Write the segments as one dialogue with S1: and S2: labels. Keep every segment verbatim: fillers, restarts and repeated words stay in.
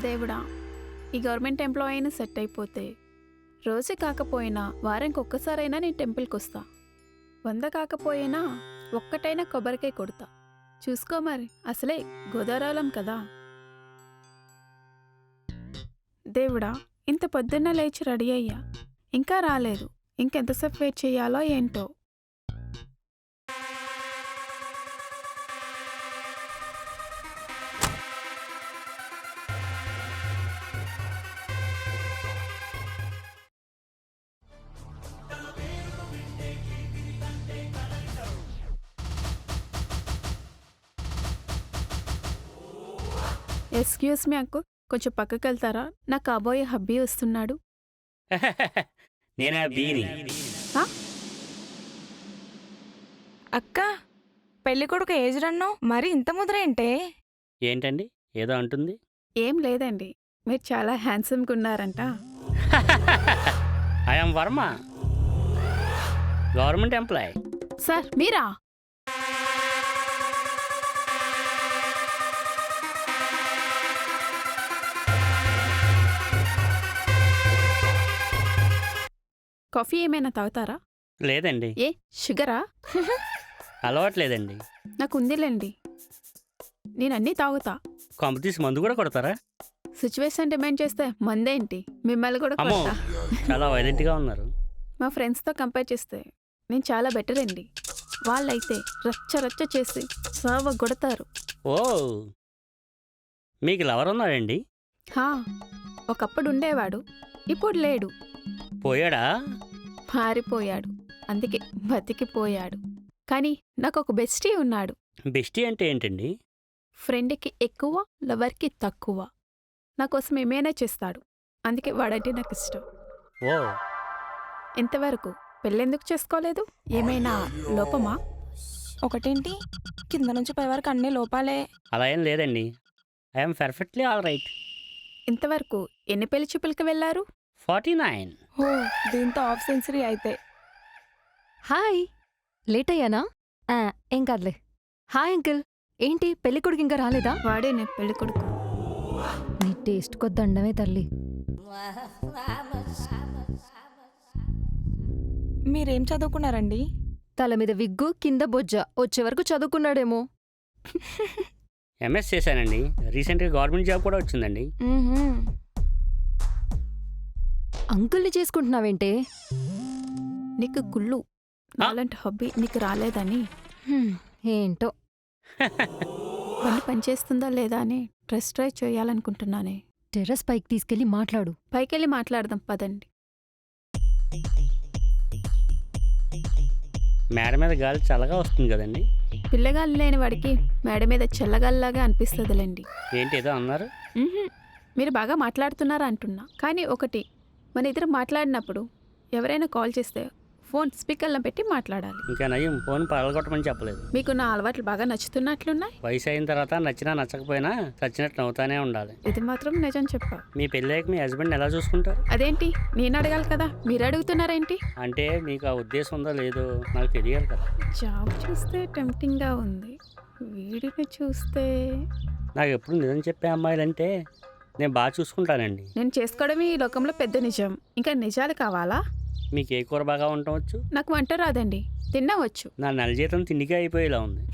S1: దేవుడా, ఈ government employee అయినా సెట్ అయిపోతే రోజు కాకపోయినా వారానికి ఒక్కసారైనా నేను టెంపుల్కి వస్తా. వంద కాకపోయినా ఒక్కటైనా కొబ్బరికాయ కొడతా. చూసుకో మరి, అసలే గోదావరాలం కదా. దేవుడా, ఇంత పొద్దున్న లేచి రెడీ అయ్యా, ఇంకా రాలేదు. ఇంకెంతసేపు వెయిట్ చేయాలో ఏంటో. ఎక్స్క్యూజ్ మీ అంకుల్, కొంచెం పక్కకి వెళ్తారా? నా కాబోయే హబ్బీ వస్తున్నాడు.
S2: నేనా బీని
S1: హా?
S3: అక్క, పెళ్లి కొడుకు ఏజ్ రన్ను మరి ఇంత ముద్రేంటే?
S2: ఏంటండి ఏదో అంటుంది?
S1: ఏం లేదండి, మీరు చాలా హ్యాండ్సమ్గా ఉన్నారంట.
S2: I'm Varma, government employee.
S1: Sir మీరా? కాఫీ ఏమైనా తాగుతారా?
S2: లేదండి,
S1: ఏ షుగరా?
S2: అలవాట్లేదండి.
S1: నాకు ఉందిలేండి, నేను అన్నీ తాగుతా.
S2: కొంపతీసి మందు కూడా కొడతారా?
S1: సిచ్యువేషన్ డిమాండ్ చేస్తే మందేంటి, మిమ్మల్ని కూడా
S2: అమ్మో,
S1: కొడతా.
S2: చాలా వైలెంట్గా ఉన్నారు.
S1: మా ఫ్రెండ్స్తో కంపేర్ చేస్తే నేను చాలా బెటర్ అండి. వాళ్ళైతే రచ్చ రచ్చ చేసి సావ కొడతారు.
S2: ఓ, మీకు లవర్ ఉన్నాడండి?
S1: హా, ఒకప్పుడు ఉండేవాడు, ఇప్పుడు లేడు.
S2: పోయాడా?
S1: మారిపోయాడు, అందుకే బతికిపోయాడు. కానీ నాకు ఒక బెస్టీ ఉన్నాడు.
S2: బెస్టీ అంటే ఏంటండి?
S1: ఫ్రెండ్కి ఎక్కువ, లవర్కి తక్కువ. నా కోసం ఏమైనా చేస్తాడు, అందుకే వాడంటే నాకు ఇష్టం.
S2: ఓ,
S1: ఇంతవరకు పెళ్ళెందుకు చేసుకోలేదు? ఏమైనా లోపమా?
S3: ఒకటేంటి, కింద నుంచి పై వరకు అన్ని లోపాలే.
S2: అలా ఏం లేదండి, ఐఎమ్ పర్ఫెక్ట్లీ ఆల్ రైట్.
S1: ఇంతవరకు ఎన్ని పెళ్లి చూపులకి వెళ్ళారు?
S2: Forty nine.
S3: ఓ, దీంతో హాఫ్ సెంచరీ అయితే.
S4: హాయ్, లేట్ అయ్యానా? ఆ, ఏం కాదులే. హాయ్ అంకిల్, ఏంటి పెళ్ళికొడుకు ఇంకా రాలేదా?
S1: వాడే నే పెళ్లి కొడుకు.
S4: నీ టేస్ట్ కొద్దండమే తల్లి.
S3: మీరేం చదువుకున్నారండి?
S4: తల మీద విగ్గు, కింద బొజ్జ, వచ్చే వరకు చదువుకున్నాడేమో.
S2: ఎంఎస్ చేశానండి, రీసెంట్గా గవర్నమెంట్ జాబ్ కూడా వచ్చిందండి.
S3: మ్మ్హ్మ్.
S4: అంకుల్ని చేసుకుంటున్నావేంటే?
S1: నీకు గుళ్ళు, నాలాంటి హబ్బీ నీకు రాలేదని,
S4: హ్మ్, ఏంటో.
S1: బండి పనిచేస్తుందా లేదా అని టెస్ట్ డ్రైవ్ చేయాలనుకుంటున్నానే.
S4: టెర్రస్ పైకి తీసుకెళ్లి మాట్లాడు.
S1: పైకెళ్ళి మాట్లాడదాం పదండి.
S2: మేడ మీద గాలి చల్లగా వస్తుంది కదండి.
S1: పిల్లగాళ్ళు లేని వాడికి మేడ మీద చల్లగాల్లాగా అనిపిస్తుందిలేండి.
S2: ఏంటి ఏదో అన్నారు?
S1: మ్హూ. మీరు బాగా మాట్లాడుతున్నారా అంటున్నా. కానీ ఒకటి, మన ఇద్దరు మాట్లాడినప్పుడు ఎవరైనా కాల్ చేస్తే ఫోన్ స్పీకర్లో పెట్టి మాట్లాడాలి.
S2: ఇంకా నయం, ఫోన్ పగలగొట్టమని చెప్పలేదు.
S1: మీకు నా అలవాట్లు బాగా నచ్చుతున్నట్లున్నాయి.
S2: వయసు అయిన తర్వాత నచ్చినా నచ్చకపోయినా చచ్చినట్టు నవ్వుతానే ఉండాలి.
S1: ఇది మాత్రం నిజం చెప్పా.
S2: మీ పెళ్ళాక మీ హస్బెండ్ ఎలా చూసుకుంటారు?
S1: అదేంటి నేను అడగాలి కదా, మీరు అడుగుతున్నారేంటి?
S2: అంటే మీకు ఆ ఉద్దేశం ఉందో లేదో నాకు తెలియాలి కదా.
S1: జాబ్ చూస్తే టెంప్టింగ్గా ఉంది, వీడిని చూస్తే.
S2: నాకు ఎప్పుడు నిజం చెప్పే అమ్మాయిలంటే నేను బాగా చూసుకుంటానండి.
S1: నేను చేసుకోవడమే ఈ లోకంలో పెద్ద నిజం, ఇంకా నిజాలు కావాలా?
S2: మీకు ఏ కూర బాగా ఉండవచ్చు?
S1: నాకు వంట రాదండి, తినవచ్చు.
S2: నా నెల జీతం తిండికే అయిపోయేలా ఉంది.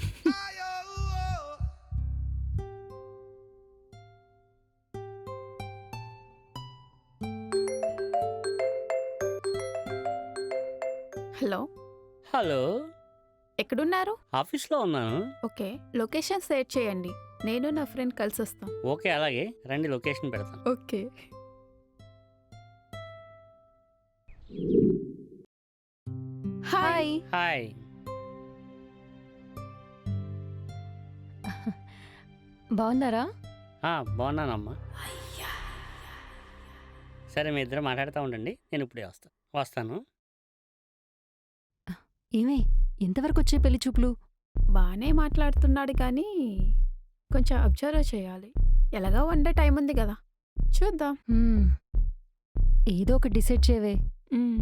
S1: హలో,
S2: హలో,
S1: ఎక్కడున్నారు?
S2: ఆఫీస్లో ఉన్నాను.
S1: ఓకే, లొకేషన్ షేర్ చేయండి, నేను నా ఫ్రెండ్ కలిసి వస్తాం.
S2: ఓకే, అలాగే రండి, లొకేషన్ పెడతాను.
S1: ఓకే. హాయ్.
S2: హాయ్.
S4: బాగున్నారా?
S2: ఆ, బాగున్నానమ్మా. సరే, మీ ఇద్దరు మాట్లాడుతూ ఉండండి, నేను ఇప్పుడే వస్తాను వస్తాను
S4: ఏమే, ఎంతవరకు వచ్చే పెళ్లి చూపులు?
S1: బాగానే మాట్లాడుతున్నాడు కానీ కొంచెం అబ్జర్వ్ చేయాలి. ఎలాగా వన్ డే టైం ఉంది కదా, చూద్దాం.
S4: హ్మ్, ఏదో ఒకటి డిసైడ్ చేయవే.
S1: మ్మ్.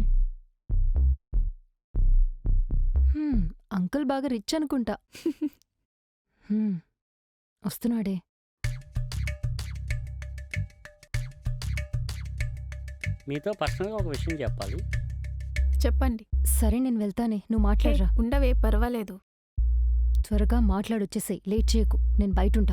S4: హ్మ్, అంకుల్ బాగా రిచ్ అనుకుంటా. హ్మ్, వస్తున్నాడే.
S2: మీతో పర్సనల్గా ఒక విషయం చెప్పాలి.
S1: చెప్పండి.
S4: సరే నేను వెళ్తానే, నువ్వు
S1: హే,
S4: మాట్లాడరా.
S1: ఉండవే, పర్వాలేదు.
S4: త్వరగా మాట్లాడొచ్చేసేయ్, లేట్ చేయకు, నేను బయటుంటా.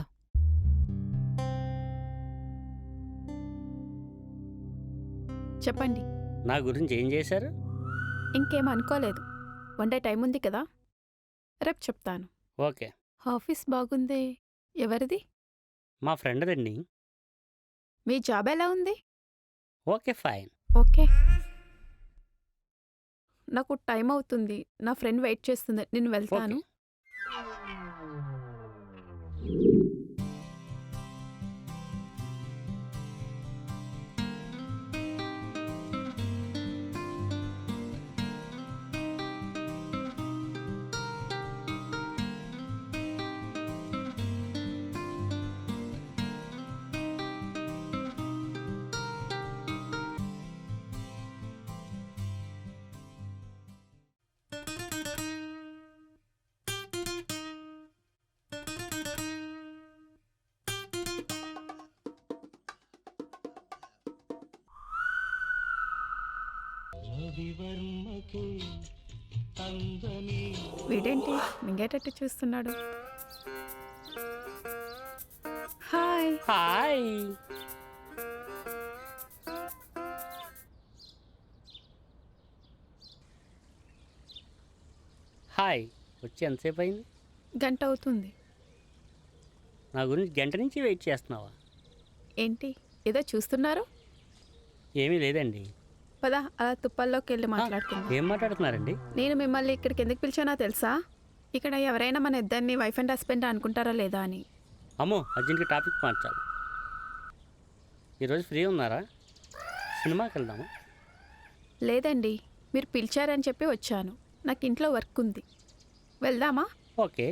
S1: చెప్పండి.
S2: నా గురించి ఏం చేశారు?
S1: ఇంకేం అనుకోలేదు. వన్ డే టైం ఉంది కదా, రేపు చెప్తాను.
S2: ఓకే.
S1: ఆఫీస్ బాగుందే. ఎవరిది?
S2: మా ఫ్రెండ్దండి.
S1: మీ జాబ్ ఎలా ఉంది?
S2: Okay fine.
S1: ఓకే. నాకు టైం అవుతుంది, నా ఫ్రెండ్ వెయిట్ చేస్తుంది, నేను వెళ్తాను.
S2: ఓకే.
S1: వీడేంటి మింగేటట్టు చూస్తున్నాడు? హాయ్.
S2: హాయ్. హాయ్. వచ్చి ఎంతసేపు అయింది?
S1: గంట అవుతుంది.
S2: నా గురించి గంట నుంచి వెయిట్ చేస్తున్నావా?
S1: ఏంటి ఏదో చూస్తున్నారు?
S2: ఏమీ లేదండి.
S1: పదా అలా తుప్పల్లోకి వెళ్ళి మాట్లాడుకుందాం.
S2: ఏం మాట్లాడుతున్నారండి?
S1: నేను మిమ్మల్ని ఇక్కడికి ఎందుకు పిలిచానో తెలుసా? ఇక్కడ ఎవరైనా మన ఇద్దరిని వైఫ్ అండ్ హస్బెండ్ అనుకుంటారా లేదా అని.
S2: అమ్మో, అర్జెంట్గా టాపిక్ మార్చాలి. ఈరోజు ఫ్రీ ఉన్నారా? సినిమాకి వెళ్దామా?
S1: లేదండి, మీరు పిలిచారని చెప్పి వచ్చాను. నాకు ఇంట్లో వర్క్ ఉంది. వెళ్దామా?
S2: ఓకే.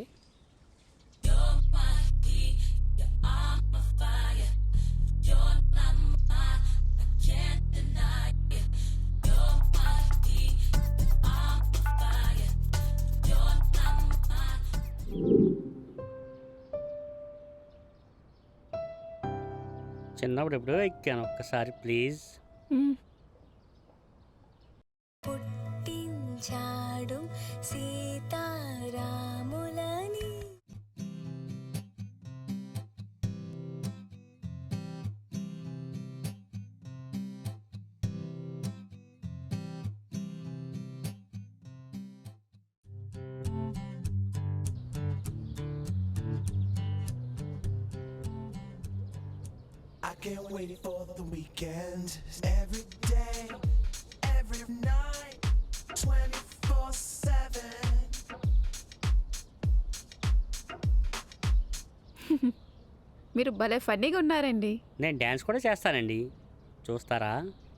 S2: చిన్నప్పుడు ఎప్పుడో ఎక్కాను, ఒక్కసారి ప్లీజ్.
S1: మ్మ్.
S5: పుట్టించాడు సీతారాములని.
S6: I can't wait for the weekend. Every day, every night, twenty-four seven.
S1: మీరు భలే ఫన్నీగా ఉన్నారండి.
S2: నేను డ్యాన్స్ కూడా చేస్తానండి, చూస్తారా?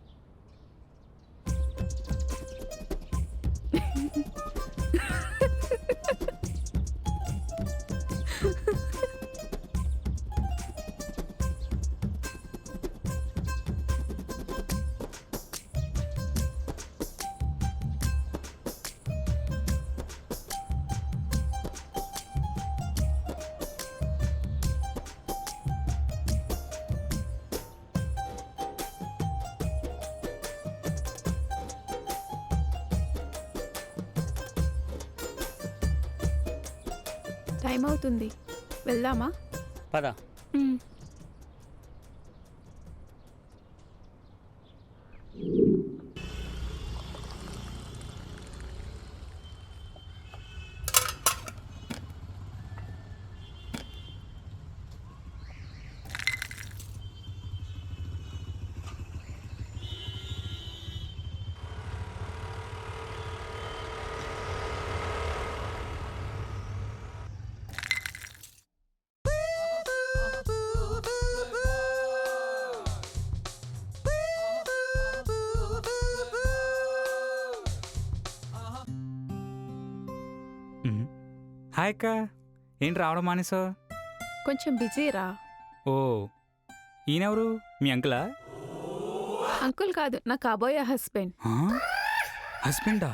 S1: టైం అవుతుంది, వెళ్దామా?
S2: పద.
S1: మ్మ్.
S7: మ్మ్. హాయ్ అక్క, ఏంటి రావడం మానేసావు?
S1: కొంచెం బిజీరా.
S7: ఓ, ఈయనెవరు? మీ అంకులా?
S1: అంకుల్ కాదు, నా కాబోయే హస్బెండ్.
S7: ఆ? హస్బెండా?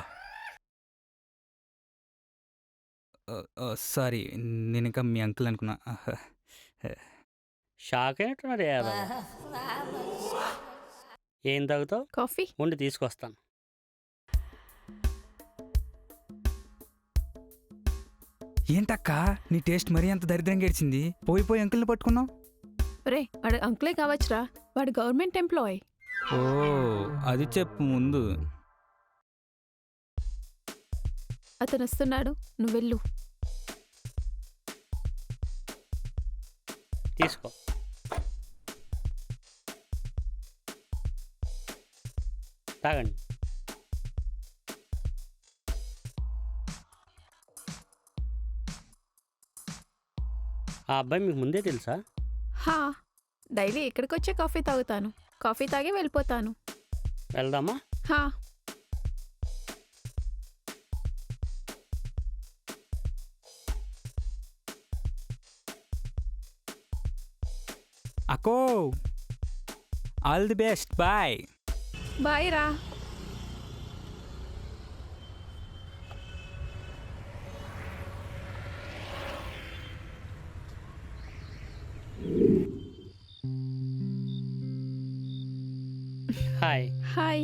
S7: ఆ, ఆ, సారీ, నేను ఇంకా మీ అంకుల్ అనుకున్నా. ఆహా.
S2: షాక్ అయినట్టున్నారు యాదవ. ఏం తాగుతావు?
S1: కాఫీ.
S2: ఉండి తీసుకొస్తాను.
S7: ఏంటక్క నీ టేస్ట్ మరీ అంత దరిద్రంగా గడిచింది? పోయి పోయి అంకుల్ని పట్టుకున్నావు.
S1: రే వాడు అంకులే కావచ్చురా, వాడు గవర్నమెంట్ ఎంప్లాయ్.
S7: ఓ అది చెప్పు ముందు.
S1: అతను వస్తున్నాడు, నువ్వు వెళ్ళు.
S2: తీసుకో. తాగండి. ఆ అబ్బాయి మీకు ముందే తెలుసా?
S1: హా, డైలీ ఇక్కడికి వచ్చే కాఫీ తాగుతాను. కాఫీ తాగి వెళ్ళిపోతాను.
S2: వెళ్దామా?
S1: హా.
S7: అక్కో all the best, bye.
S1: Bye రా.
S2: హాయ్.
S1: హాయ్.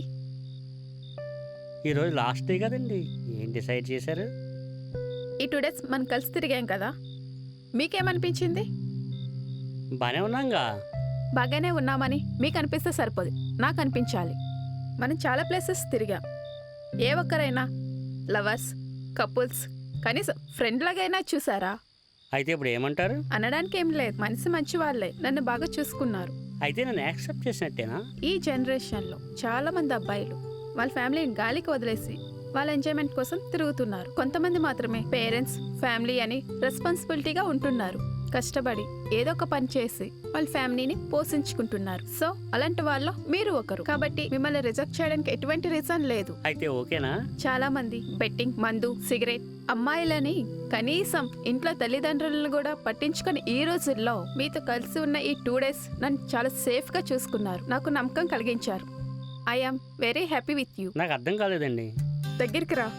S2: ఈరోజు లాస్ట్ డే కదండి, ఏం డిసైడ్ చేశారు?
S1: ఈ టూ డేస్ మనం కలిసి తిరిగాం కదా, మీకేమనిపించింది?
S2: బాగానే ఉన్నాంగా.
S1: బాగానే ఉన్నామని మీకు అనిపిస్తే సరిపోదు, నాకు అనిపించాలి. మనం చాలా ప్లేసెస్ తిరిగాం. ఏ ఒక్కరైనా లవర్స్, కపుల్స్, కనీసం ఫ్రెండ్ లాగైనా చూసారా?
S2: అయితే ఇప్పుడు ఏమంటారు?
S1: అనడానికి ఏం లేదు, మనసు మంచి వాళ్ళే నన్ను బాగా చూసుకున్నారు.
S2: అయితే నన్ను యాక్సెప్ట్ చేసినట్టేనా?
S1: ఈ జనరేషన్లో చాలా మంది అబ్బాయిలు వాళ్ళ ఫ్యామిలీని గాలికి వదిలేసి వాళ్ళ ఎంజాయ్మెంట్ కోసం తిరుగుతున్నారు. కొంతమంది మాత్రమే పేరెంట్స్, ఫ్యామిలీ అని రెస్పాన్సిబిలిటీగా ఉంటున్నారు. కష్టపడి ఏదో ఒక పని చేసి వాళ్ళ ఫ్యామిలీని పోషించుకుంటున్నారు. సో అలాంటి వాళ్ళు మీరు ఒకరు. కాబట్టి మిమ్మల్ని రిజెక్ట్ చేయడానికి ఎటువంటి రీజన్ లేదు.
S2: అయితే ఓకేనా? చాలా
S1: మంది బెట్టింగ్, మందు, సిగరెట్, అమ్మాయిలని కనీసం ఇంట్లో తల్లిదండ్రులను కూడా పట్టించుకొని ఈ రోజుల్లో మీతో కలిసి ఉన్న ఈ టూ డేస్ నన్ను చాలా సేఫ్ గా చూసుకున్నారు. నాకు నమ్మకం కలిగించారు. I am very happy with you.
S2: నాకు అర్థం కాలేదండి.
S1: దగ్గరికి రా.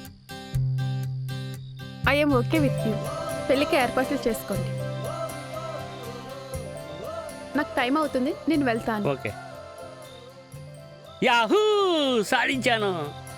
S1: I am okay with you. పెళ్ళికి ఏర్పాట్లు చేసుకోండి. నాకు టైం అవుతుంది, నేను వెళ్తాను.
S2: ఓకే. యాహూ, సాధించాను.